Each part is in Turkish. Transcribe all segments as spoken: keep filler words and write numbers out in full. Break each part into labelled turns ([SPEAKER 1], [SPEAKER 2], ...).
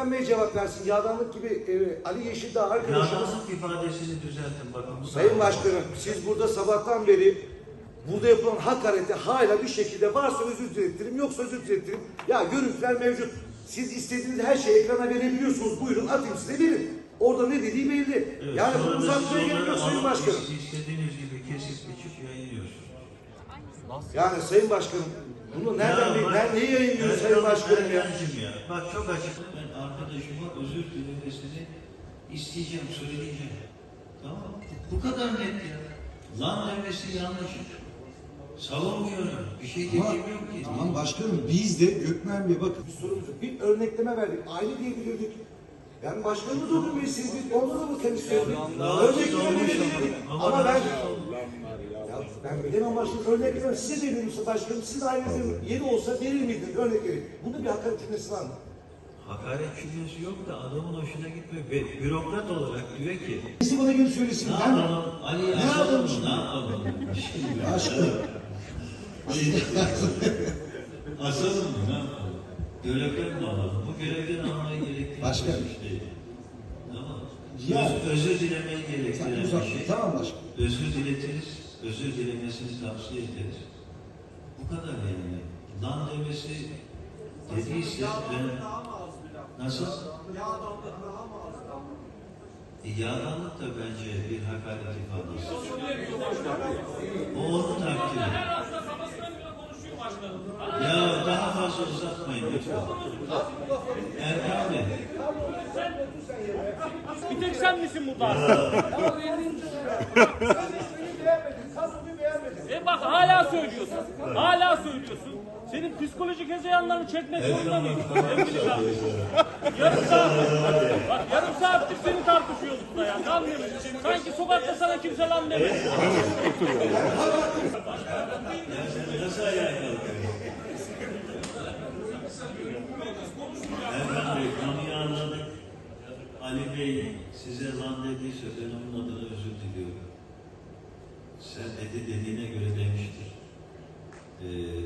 [SPEAKER 1] Lütfen Bey cevap versin. Yağdanlık gibi e, Ali Yeşildağ arkadaşımız.
[SPEAKER 2] Yağdanlık ifadesini düzeltin bakın. Bu
[SPEAKER 1] Sayın Başkanım, siz burada sabahtan beri burada yapılan hakarete hala bir şekilde varsa özür dilettirim, yoksa özür dilettirim. Ya görüntüler mevcut. Siz istediğiniz her şeyi ekrana verebiliyorsunuz. Buyurun atayım size verin. Orada ne dediği belli.
[SPEAKER 2] Evet,
[SPEAKER 1] yani bunu
[SPEAKER 2] sonra da
[SPEAKER 1] uzatmaya
[SPEAKER 2] siz
[SPEAKER 1] gerek yok
[SPEAKER 2] onları
[SPEAKER 1] Sayın
[SPEAKER 2] alıp
[SPEAKER 1] Başkanım.
[SPEAKER 2] İstediğiniz gibi kesip biçip yayınlıyorsunuz.
[SPEAKER 1] Yani Sayın Başkanım, bunu nereden
[SPEAKER 2] Ya
[SPEAKER 1] bil,
[SPEAKER 2] bak,
[SPEAKER 1] ben neyi yayınlıyorum
[SPEAKER 2] ben-
[SPEAKER 1] Sayın Başkanım
[SPEAKER 2] ben
[SPEAKER 1] ya?
[SPEAKER 2] yancım ya. Bak çok açık. Ben arkadaşıma özür dilemesini isteyeceğim, söyleyeceğim. Tamam mı? Bu kadar net ya. Lan demesi yanlış. Savunmuyorum. Bir şey
[SPEAKER 3] Ama,
[SPEAKER 2] dediğim yok ki.
[SPEAKER 3] tamam başkanım, biz de Gökmen Bey bakın.
[SPEAKER 1] Bir sorumuz yok. Bir örnekleme verdik. Aile diyebilirdik. Yani başkanımız olur mu istedik? Ondan da mı temizleyelim? Örnekleme verebilirdik. Ama ben... Ya ben bilemem başkanım. Örnekleme size de verirse başkanım. Sizin ailenizin yeri olsa verir miydiniz? Örnek verin. Bunda bir hakaret cümlesi var mı?
[SPEAKER 2] Hakaret cümlesi yok da adamın hoşuna gitmiyor. Ve bürokrat olarak diyor ki
[SPEAKER 1] Birisi bana gelip söylesin.
[SPEAKER 2] ne
[SPEAKER 1] Ben
[SPEAKER 2] yapalım? Ali
[SPEAKER 1] Ne
[SPEAKER 2] asalım
[SPEAKER 1] yapalım
[SPEAKER 2] mı?
[SPEAKER 1] şimdi?
[SPEAKER 2] Ne yapalım?
[SPEAKER 3] Başkanım.
[SPEAKER 2] Asalım mı? Ne yapalım? Görevden mi alalım? Bu görevden almayı gerektiren
[SPEAKER 3] Başkanım.
[SPEAKER 2] bir şey. Tamam.
[SPEAKER 3] Ya.
[SPEAKER 2] Öz, özür dilemeyi
[SPEAKER 3] Sen
[SPEAKER 2] gerektiren
[SPEAKER 3] uzat.
[SPEAKER 2] bir şey.
[SPEAKER 3] Tamam başkanım.
[SPEAKER 2] Özür diletiriz. Özür dilemesini tavsiye ederiz. Bu kadar yani. Lan demesi dediyse ben nasıl? E, yağdanlık da bence bir hakaret ifadesi. O onun takdiri. Ya daha fazla uzatmayın lütfen. Erkan Bey.
[SPEAKER 4] Bir tek sen misin burada? E bak hala söylüyorsun. Hala söylüyorsun. Senin psikolojik hezeyanlarını çekmek zorunda mıyım? Sevgili kardeşim. Yarım saat. Bak yarım saattir seni tartışıyoruz burada ya. Lan demedim. Sanki sokakta sana kimse lan demedi.
[SPEAKER 2] Nasıl ayağa kalkıyor? Erkan Bey, konuyu anladık. Ali Bey size lan dediyse ben onun adına özür diliyorum. Sen dedi dediğine göre demiştir. Ee,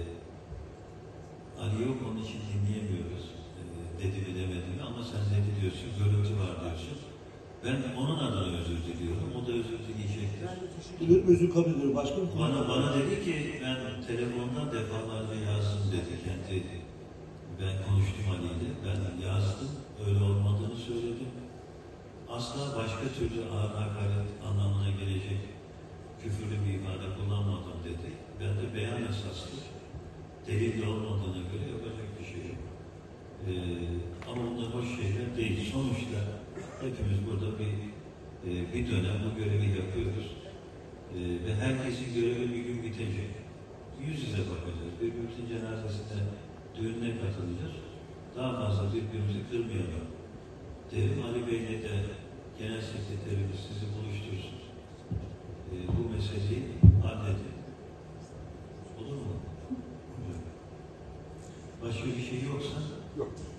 [SPEAKER 2] Ali yok, onun için dinleyemiyoruz. Ee, dedi mi demedi mi, ama sen dedi diyorsun, görüntü var diyorsun. Ben onun adına özür diliyorum, o da özür dileyecektir.
[SPEAKER 3] Diliyorum, özür kabul ediyorum başkanım.
[SPEAKER 2] Bana, bana dedi ki, ben telefonda defalarca yazdım dedi kendi. Ben konuştum Ali ile, ben yazdım, öyle olmadığını söyledim. Asla başka türlü ağır hakaret anlamına gelecek küfürlü bir ifade kullanmadım dedi. Ben de beyan esaslı, delil olmadığına göre yapacak bir şey yok. Ee, ama bunlar hoş şeyler değil. Sonuçta hepimiz burada bir e, bir dönem bu görevi yapıyoruz. Ee, ve herkesin görevi bir gün bitecek. Yüz yüze bakacağız. Birbirimizin cenazesine, düğününe katılacağız. Daha fazla birbirimizi kırmayalım. Derim Ali Bey'le de genel sekreterimiz sizi buluştursun. Ee, bu meseleyi halledin. Olur mu? Başka bir şey yoksa?
[SPEAKER 1] Yok.